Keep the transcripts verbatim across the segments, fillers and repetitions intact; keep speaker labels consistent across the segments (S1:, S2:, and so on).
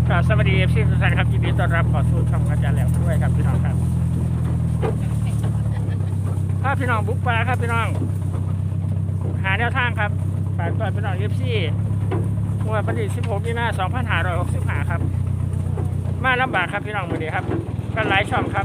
S1: ครับสวัสดีเอฟซีทุกท่านครับยินดีต้อนรับขอสู่ช่องอาจารย์แหลมด้วยครับพี่น้องครับถ้าพี่น้องบุกปลาครับพี่น้องหาแนวทางครับฝากตัวพี่น้องเอฟซีเมื่อวันที่สิบหกมีนาสองพันห้าร้อยหกสิบห้าครับมาลำบากครับพี่น้องมือดีครับกันหลายช่องครับ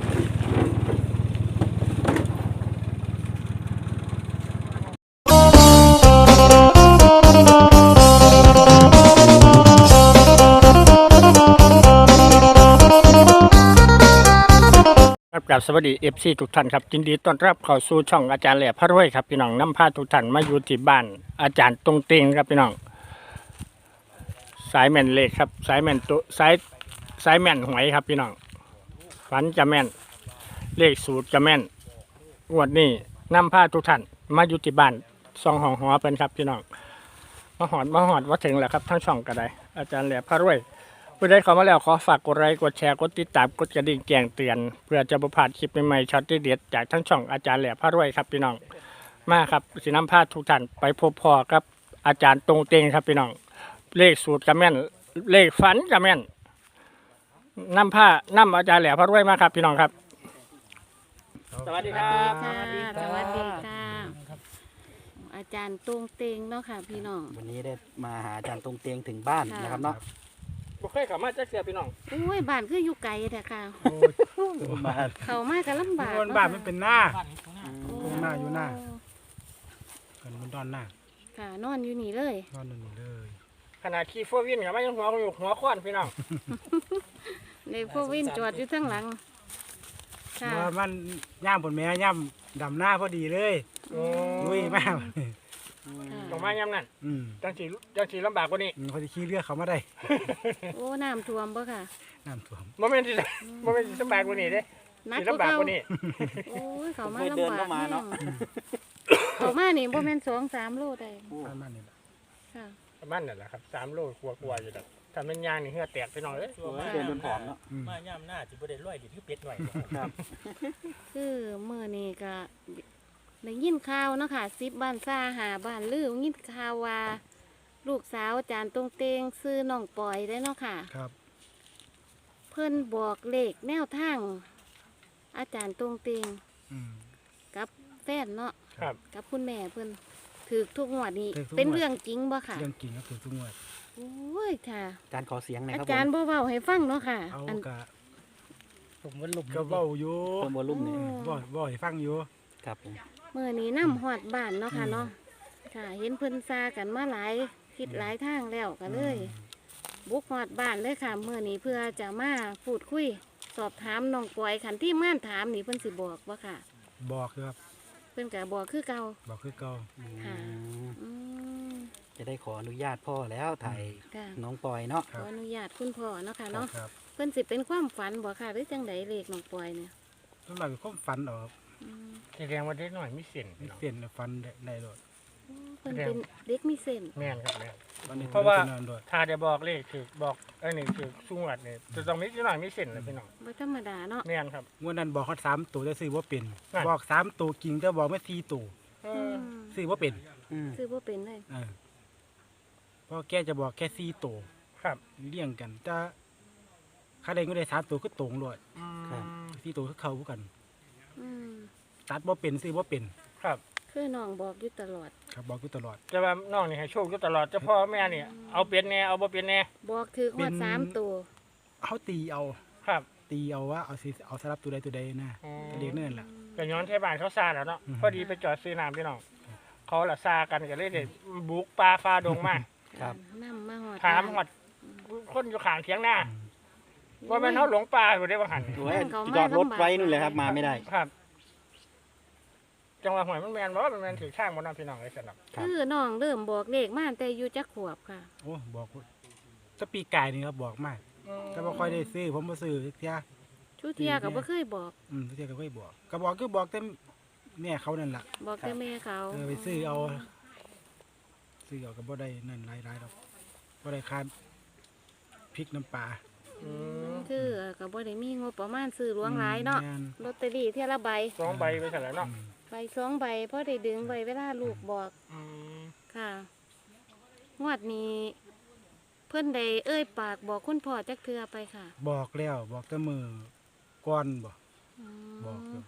S1: กับสวัสดีเอฟซีทุกท่านครับยินดีต้อนรับเข้าสู่ช่องอาจารย์แหลมพระรวยครับพี่น้องนำพาทุกท่านมาอยู่ที่บ้านอาจารย์ตรงเตงครับพี่น้องสายแม่นเลขครับสายแม่นตัวสายสายแม่นหวยครับพี่น้องฝันจะแม่นเลขสูตรจะแม่นงวดนี้นำพาทุกท่านมาอยู่ที่บ้านซองหองหอเป็นครับพี่น้องมาหอดมาหอดว่าถึงแล้วครับทั้งช่องก็ได้อาจารย์แหลมพระรวยผู้ใดเข้ามาแล้วขอฝากกดไลค์กดแชร์กดติดตามกดกระดิ่งแจ้งเตือนเพื่อจะประพลาดคลิปใหม่ๆช็อตเด็ดจากทั้งช่องอาจารย์แหลมพระรวยครับพี่น้องมาครับสินำพาทุกท่านไปพบพอกับอาจารย์ตรงเตงครับพี่น้องเลขสูตรกระแม่นเลขฝันกระแม่นนำผ้านำอาจารย์แหลมพระรวยมาครับพี่น้องครับสวัสดีครับ
S2: สวัสดีค่ะสวัสดีค่ะอาจารย์ตรงเตงเนาะค่ะพี่น้อง
S3: วันนี้ได้มาหาอาจารย์ตรงเตียงถึงบ้านนะครับเนาะ
S1: บุคคลเข้ามาจะเสียพี่น้อง
S2: โอ้ยบ้านคืออยู่ไกลแต่ค่ะ
S3: มา
S2: เข้ามาก็ลำบาก
S4: บนบ้านมันเป็นหน้า
S2: โอ้
S4: ตรงหน้าอยู่หน้า กันบนดอนหน้า
S2: ค่ะนอนอยู่นี่เลย
S4: ดอนนั่นนี่เลย
S1: ขนาดขี่โฟวินกับไม่ยังหัวอยู่หัวค้อนพี่น้อง
S2: ในพวกวินจอดอยู่ทั้งหลังค่ะ
S4: ว่ามันย่ามบนแม่ย่ามดำหน้าพอดีเลยลุยมาก
S1: ตรงมาย้ำนั่น
S4: อืม
S1: จังสีจังสีลำบากกว่านี้
S4: เขาจะขี้เลือดเขามาได้
S2: โอ้น้ำท่วมบ่ค่ะ
S4: น้ำท่วม
S1: โมเมนต์ที่โมเมนต์ที่ลำบากกว่านี้เด้
S2: นัก
S1: สี
S2: ก็
S1: ลำบาก
S2: เขา
S1: กว่านี้
S2: โอ้ยเขามา
S3: เคย
S2: ลำ
S3: เดิน
S2: บาก
S3: เข้ามาเนาะ
S2: เขามานี่บ่แม่นสองสามโลได้
S4: ประมาณนี้แหละ
S2: ค่ะ
S1: ประมาณนั่นแหละครับสามโลกลัวๆอยู่แต่ถ้ามันยางนี่เหือแตกพี่น้องเลย
S3: โอ้ยเดินบนผอมเนาะ
S4: อืม
S5: มาย่ำหน้าจิบได้ร้อยดิที่เป็ดหน่อย
S3: ครับ
S2: คือมื้อนี้ก็ได้ยินข่าวเนาะค่ะสิบบ้านซ่าหาบ้านลือยินข่าวว่า ลูกสาวอาจารย์ตรงเตงซื้อน้องปอยได้เนาะค่ะ
S4: ครับ
S2: เพิ่นบอกเลขแนวทาง อาจารย์ตรงเตง
S4: อืม
S2: กับแฟนเนาะ
S1: ครับ
S2: กับคุณแม่เพิ่นถือทุกงวดนี้
S4: ถูกทุกงวด
S2: เป็นเรื่องจริงบ่ค่ะ
S4: เรื่องกินก็คือทุกงวด
S2: โอ้ยค่ะ
S3: อาจารย์ขอเสียงหน่อย
S2: อา
S3: ครับ
S2: จารย์
S3: ผม
S2: บ่เว้าให้ฟังเนาะค่ะ
S4: เอา
S2: อัน
S4: กะ
S1: ผมว่าลุก
S4: ก็เบ้าอยู่
S3: เพิ่มวอลลุ่มเนี่ย
S4: บ่บ่ให้ฟังอยู่
S3: ครับผม
S2: มื้อนี้นำฮอดบ้านเนาะค่ะเนาะค่ะ เห็นเพิ่นซากันมาหลายทิศหลายทางแล้วก็เลย บุกฮอดบ้านเลยค่ะมื้อนี้เพื่อจะมาพูดคุย สอบถามน้องปอยคันที่ม่านถามนี่เพิ่นสิบอกบ่ค่ะ
S4: บอกอยู่ครับ
S2: เพิ่นก็บอกคือเก่า
S4: บอกคือเก่า
S2: ค่ะ
S3: อืม
S2: อืม
S3: จะได้ขออนุญาตพ่อแล้วถ่าย
S2: ค่ะ
S3: น้องปอยเนาะ
S2: ขออนุญาตคุณพ่อเนาะค่ะเนาะ
S4: ครับ
S2: เพิ่นสิเป็นความฝันบ่ค่ะหรือจังไดเลขน้องปอยเนี่ย
S4: ต้นไม้เป็นความฝันออก
S2: อืม
S1: แสดงว่าเด็กหน่อยมีเส้น
S4: ไม่
S1: พี่น้อง
S4: เปลี่ยนฝันได้ได้โดด
S2: เพิ่นเป็นเด็กมีเส้น
S1: แม่นครับแม่น
S4: วันนี้
S1: เพราะว่า
S4: นอนโดด
S1: ถ้าจะบอกเลขคือบอกไอ้นี่คือสุงวัดเนี่ยจะต้องมีนิดหน่อยมีเส้นเลยพี่น้อง
S2: บ่ธรรมดาเนาะ
S1: แม่นครับ
S4: งวดนั้นบอกเขาสามตัวจะซื้อว่าเป็น
S1: นั่น
S4: บอกสามตัวกิงจะบอกไม่สี่ตัว
S1: เอ
S2: อื
S1: อ
S2: ม
S4: ซื้อว่าเป็น
S3: อืม
S2: ซื้อบ่เป็นเลย
S4: เออเพราะแกจะบอกแค่สี่ตัว
S1: ครับ
S4: เลี่ยงกันถ้าข้าใดก็ได้สามตัวก็ตรงเลย
S1: อืม
S4: สี่ตัวก็เข้ากัน
S2: อืม
S4: ตัดว่าเป็นซื้อว่าเป็น
S1: ครับ
S2: คือน้องบอกอยู่ตลอด
S4: ครับบอกอยู่ตลอด
S1: แต่ว่าน้องนี่ให้โชคอยู่ตลอดเจ้าพ่อแม่เนี่ยเอาเป็นแน่เอาบ่เป็นแน่
S2: บอกถือฮอดสามตัว
S4: เขาตีเอา
S1: ครับ
S4: ตีเอาว่าเอาสิเอาสลับตัวใดตัวใดนะ
S1: อืม
S4: ก็เรียกนั่นแหละ
S1: แต่ย้อนเทบ้านเขาซาแล้วเนาะ
S4: อืม
S1: พอดีไปจอดซื้อน้ำพี่น้องเขาละซากันก็เลยเด็บุกปลาฟ้าดงมา
S3: ครับ
S2: นำมาฮอด
S1: ถามหอดคนอยู่ข้างเถียงหน้าว่าแม่นเขาหลงป่าอยู่ได้บ่หัน
S3: โอ้ยจอดรถไว้นู่นเลยครับ มาไม่ได้
S1: ครับ จังหวะหวยมันแมนบ่มันแมนถือข้างบนน้ำพี่น้องเลยสนับ
S3: ครับ
S2: คือน้องเริ่มบอกเลขมาตั้งแต่อยู่จักขวบค่ะ
S4: โอ้บอกว่าถ้าปีกายนี่ครับบอกมากแต่ว่าค่อยได้ซื้อผมมาซื้อเที่ย
S2: ชุเทียก็บ่เคยบอก
S4: อืมเที่ยก็ค่อยบอกก็บอกก็บอกแต่แม่เขานั่นแหละ
S2: บอกแต่แม่เขา
S4: เออไปซื้อเอาซื้อเอาก็บ่ได้นั่นหลายๆดอกบ่ได้คาดพริกน้ำปลา
S1: อืม
S2: คือก็บ่ได้มีงบประมาณซื้อหลวงหลายเนาะ
S4: แม่
S2: ลอตเตอรี่เที่ยละใบ
S1: สองใบไปเสร็จแล้วเนาะ
S4: อืม
S2: ใบสองใบพอได้ดึงไว้เวลาลูกบอก
S1: อืม
S2: ค่ะ งวดนี้เพิ่นได้เอ้ยปากบอกคุณพ่อจักเทือไปค่ะ
S4: บอกแล้วบอกแต่มือก่อนบ่
S2: อืม
S4: บอกอยู่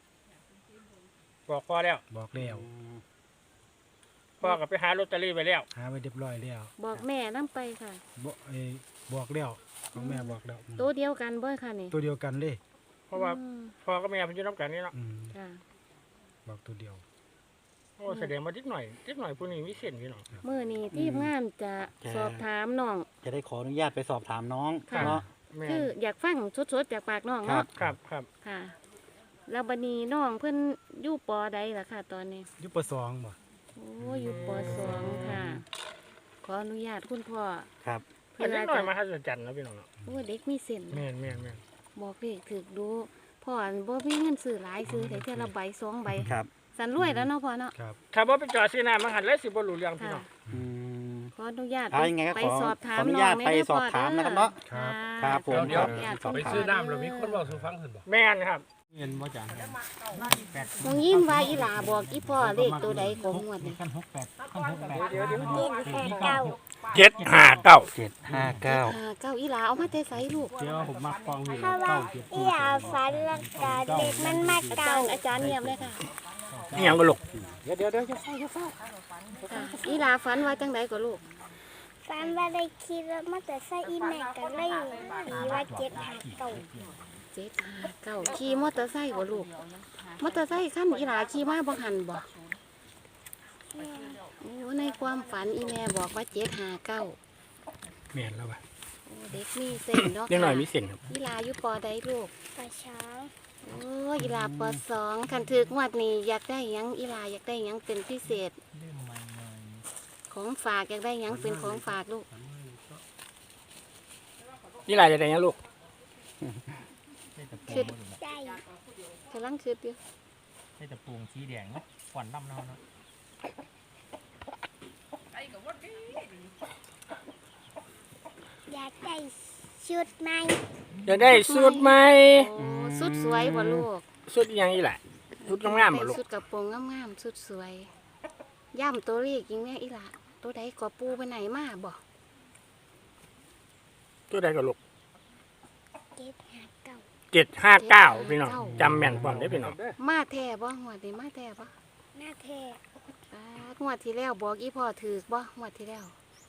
S1: บอกพ่อแล้ว
S4: บอกแล้ว
S1: พ่อก็ไปหาลอตเตอรี่ไปแล้ว
S4: หาไว้เรียบร้อยแล้ว
S2: บอกแม่นํไปค่ะ
S4: บอกไอ้บอกแล้วของแม่บอกแล้วอืม
S2: ตัวเดียวกันบ่ค่ะนี่
S4: ตัวเดียวกันเลย
S1: เพราะว่า
S2: อืม
S1: พ่อก็แม่เพิ่นอยู่นํกันนี่เนาะ
S4: อืม
S2: ค่ะ
S4: บอกตัวเดียว
S1: โอ้แสดงว่านิดหน่อยนิดหน่อยผู้นี้มีเส้นพี่น้อง
S2: มื้อนี้ทีมงานจะสอบถามน้อง
S3: จะได้ขออนุญาตไปสอบถามน้อง
S2: ค่ะ
S3: เนาะ
S1: แม่
S2: คืออยากฟังสดๆจากปากน้อง
S3: ครั
S2: เนาะ
S3: บ
S1: ครับครับ
S2: ค่ะ แล้วบัดนี้น้องเพิ่นอยู่ปอใดล่ะค่ะ ตอนนี้
S4: อยุปสองบ่
S2: โอ้อยู่ปสองค่ะ ขออนุญาตคุณพ่อ
S3: ครับ
S2: เพื่
S1: อัน
S2: อ
S1: นิดหน่อย
S2: จะ
S1: มาหัศจรรย์นะพี่น้องเนาะ
S2: โอ้เด็กมีเส้น
S1: แม่นแม่นแม่น
S2: บอกเลขถึกดูพ่อบ่มีเงินซื้อหลายซื้อแต่เท่าละใบสองใบ
S3: ครับ
S2: สันรวยแล้วเนาะพ่อเนาะ
S4: ครับ
S1: ถ้าบ่ไปจอดซื้อน้ำมาหันแล้วสิบ่รู้เรื่องพี่
S2: ค่ะ
S1: น้อง
S3: อืม
S2: ขออนุญาต
S3: เอายังไงก็
S2: ไป
S3: ขอ
S2: สอบถาม
S3: ขออนุ
S2: น้
S3: ญา
S2: อ
S3: ต
S2: ง
S3: ไปสอบถามนะครับเนาะ
S2: ค่ะ
S3: ครับผม
S2: ขออนุญาต
S3: ครับ
S5: ไปซื้อน้ำแล้วมีคนบอกสู่ฟังเห็นบ่
S1: แม่นครับ
S4: เงินบ่จัง
S2: น้องยิ้มว่าอีหลาบอกอีพ่อเลขตัวใดของงวดนี่
S4: กันหกแปดกันหกแปด
S1: เดี๋ยวเดี๋ยว
S2: เก้า
S1: เจ็ดห้าเก้า
S3: เจ็ดห้าเก้า
S2: เก้าอีหลาเอามาแต่ไสลูก
S4: เดี๋ยวผมมักฟองอยู่
S6: เพราะว่าอียาฝันแล้วก็เด็กมันมา
S2: อา
S6: เก่า
S2: จารย์อาจารย์เงียบเลยค่ะ
S1: นี่ยังก็ลูก
S3: เดี๋ยวเดี๋ยวเดี๋ยว
S2: ค่ะอีหลาฝันว่าจังไดก็ลูก
S6: ฝันว่าได้ขี่รถมอเตอร์ไซค์อีแม่ก็เลยตีว่าเจ็ดหาเก่า
S2: เจ็ดห้าเก้าขี่มอเตอร์ไซค์บ่ลูกมอเตอร์ไซค์คันอีหลาขี่มาบ่หันบ่
S6: แม่
S2: โอ้ในความฝันอีแม่บอกว่าเจ็ดห้าเก้า
S1: แม่นแล้วว่ะ
S2: โอ้เด็กมีเส้นเนาะ
S1: นิดหน่อยมี
S2: ค่ะ
S1: เส้นครับ
S2: อีหลาอยู่ปอใดลูก
S6: ปลาช้าง
S2: โอ้อีหลาปสองคันถึกงวดนี้อยากได้หยังอีหลาอยากได้หยังเป็นพิเศษ ของฝากอยากได้หยังเป็นของฝากลูก
S1: นี่ลายจะได้ยังลูก
S2: คิด
S6: ได้
S2: กำลังคิดอยู่
S5: ใช่แต่ปูงสีแดงเนาะขวัญน้ำเนาะเนาะ
S6: อยากได้ชุดใหม่
S1: จะได้สูตรใหม่
S2: โอ้สุดสวยบ่ลูก
S1: สูตรอีหยังอีแหละสูตรงามๆบ่ลูก
S2: สุดกระโปรงงามๆสุดสวยย่ำตัวเลขยิงแม่อีหลาตัวใดก็ปูไปไหนมาบ่
S1: ตัวใดก็ลูก
S6: เจ็ดหาเก่า
S1: เจ็ดห้าเก้าพี่น้องจำแม่นพร้อมได้อพี่น้อง
S2: มาแท้บ่งวดนี้มาแท้บ่
S6: หน้าแท้
S2: ปาดงวดที่แล้วบอกอีพ่อถือกบ่งวดที่แล้ว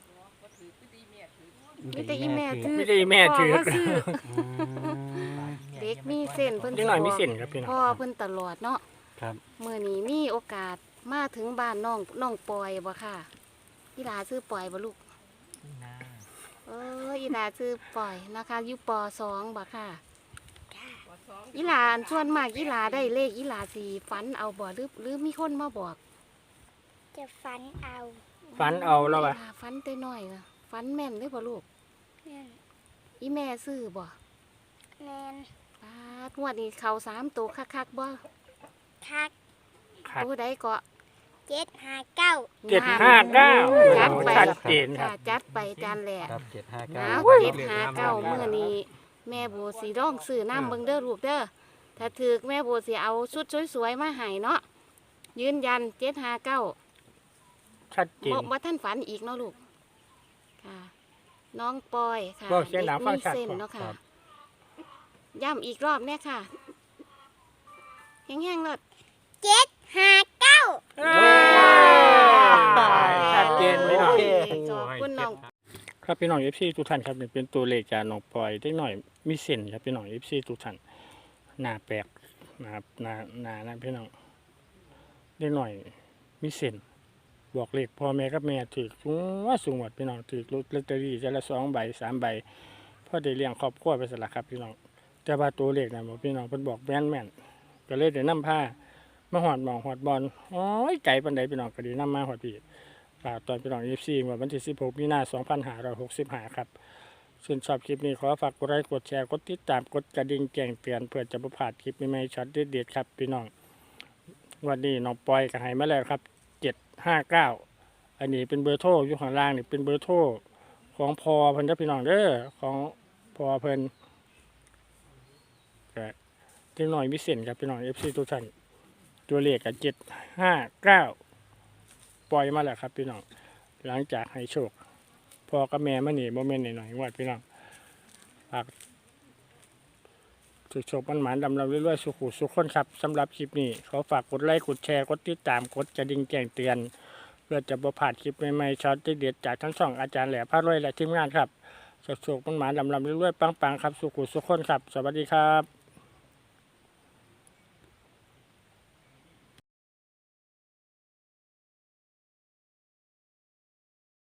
S2: มีแต่อีแม่ถือ
S1: ไม่ได้แม่ถือ
S2: พ่ก็ซื้อ
S3: อืม
S2: เด็กมีเส้นเพิ่น
S1: นิดหน่อยมีเส้นครับพี่น้อง
S2: พ่อเพิ่นตลอดเนาะ
S3: ครับ
S2: มื้อนี้มีโอกาสมาถึงบ้านน้องน้องปอยบ่ค่ะอีหลาซื้อปอยบ่ลูก
S5: นี่นะ
S2: เอออีหลาซื้อปอยนะคะอยู่ปสองบ่ค่ะอีหลาส่วนมากอีหลาได้เลขอีหลาสิฝันเอาบ่หรือหรือมีคนมาบอก
S6: จะฝันเอา
S1: ฝันเอาแล้วว่ะ
S2: อีหฝันแต่น้อยน่ะฝันแม่นเด้อบ่ลูก
S6: แม่น
S2: อีแม่ซื้อบ่
S6: แมน
S2: ปาดงวดนี้เข้าสามตัวคักๆบ่
S6: ทัก
S1: ครับ
S2: ตัวใดก็
S6: เจ็ดหาเก้า
S1: เจ็ดห้าเก้า
S2: จัดไป
S1: ชัดเจนค
S2: ค่ะ
S1: รับ
S2: จัดไปจานแหลก
S3: ครับเจ็ดห้า
S2: ห
S3: เก้า
S2: นาวเจ็ดหาเก้ามื้อนี้แม่โบสีร้องซื้อน้ำเบิ่งเด้อลูกเด้อถ้าถือแม่โบสิเอาชุดสวยๆมาให้เนาะยืนยันเจ็ดหาเก้า
S1: ชัดเจน
S2: บ่บ่ท่านฝันอีกเนาะลูกค่ะ น้องปอยค่ะ
S1: บอกเสียงดังฟังชัด
S2: เส้น
S1: ก่อน
S2: เนาะค่ะย้ำอีกรอบแน่ค่ะแห้งๆเลย
S6: เจ็ดหาเก้า
S1: ชัดเจนพี่น้อง
S2: ขอบคุณน้อง
S1: ครับพี่น้องเอฟซีทุกท่านครับนี่เป็นตัวเลขจากน้องปอยได้หน่อยมีเส้นครับพี่น้องเอฟซีทุกท่านหน้าแปลกนะครับหน้าหน้านะพี่น้องได้หน่อยมีเส้นบอกเลขพ่อแม่กับแม่ถือสูงว่าสูงหมดพี่น้องถือลอตเตอรี่จะละสองใบสามใบพ่อได้เลี้ยงครอบครัวไปสละครับพี่น้องแต่ว่าตัวเลขนะบอกพี่น้องเพิ่นบอกแม่นแม่นๆก็เลยได้นำผ้ามาหอดหมองหอดบอลโอ้ยใจปันใดพี่น้องก็ดีนำมาหอดพี่ ฝากตอนพี่น้อง เอฟ ซี วันที่สิบหกมีนาคมสองพันห้าร้อยหกสิบห้าครับส่วนชอบคลิปนี้ขอฝากกดไลค์กดแชร์กดติดตามกดกระดิ่งแจ้งเตือนเพื่อจะประพลาดคลิปใหม่ๆช็อตเด็ดๆครับพี่น้องวันนี้น้องปอยก็ให้มาแล้วครับเจ็ดห้าเก้าอันนี้เป็นเบอร์โทรอยู่ข้างล่างนี่เป็นเบอร์โทรของพอเพิ่นเด้อพี่น้องเด้อของพอเพิ่นก็ที่หน่อยมิเศษครับพี่น้อง เอฟ ซี ทุกท่านตัวเลขกับเจ็ดห้าเก้าปล่อยมาแล้วครับพี่น้องหลังจากให้โชคพ่อกับแม่มานี่บ่แม่นหน่อยๆงวดพี่น้องฝากโชคๆมันหมานๆดำเราเรื่อยๆสุขุสุขคนครับสำหรับคลิปนี้ขอฝากกดไลค์กดแชร์กดติดตามกดกระดิ่งแจ้งเตือนเพื่อจะบ่พลาดคลิปใหม่ๆช็อตเด็ดๆจากทั้งสองอาจารย์แหล่พระรวยและทีมงานครับโชคๆมันหมานๆดำเราเรื่อยๆปังๆครับสุขุสุขคนครับสวัสดีครับ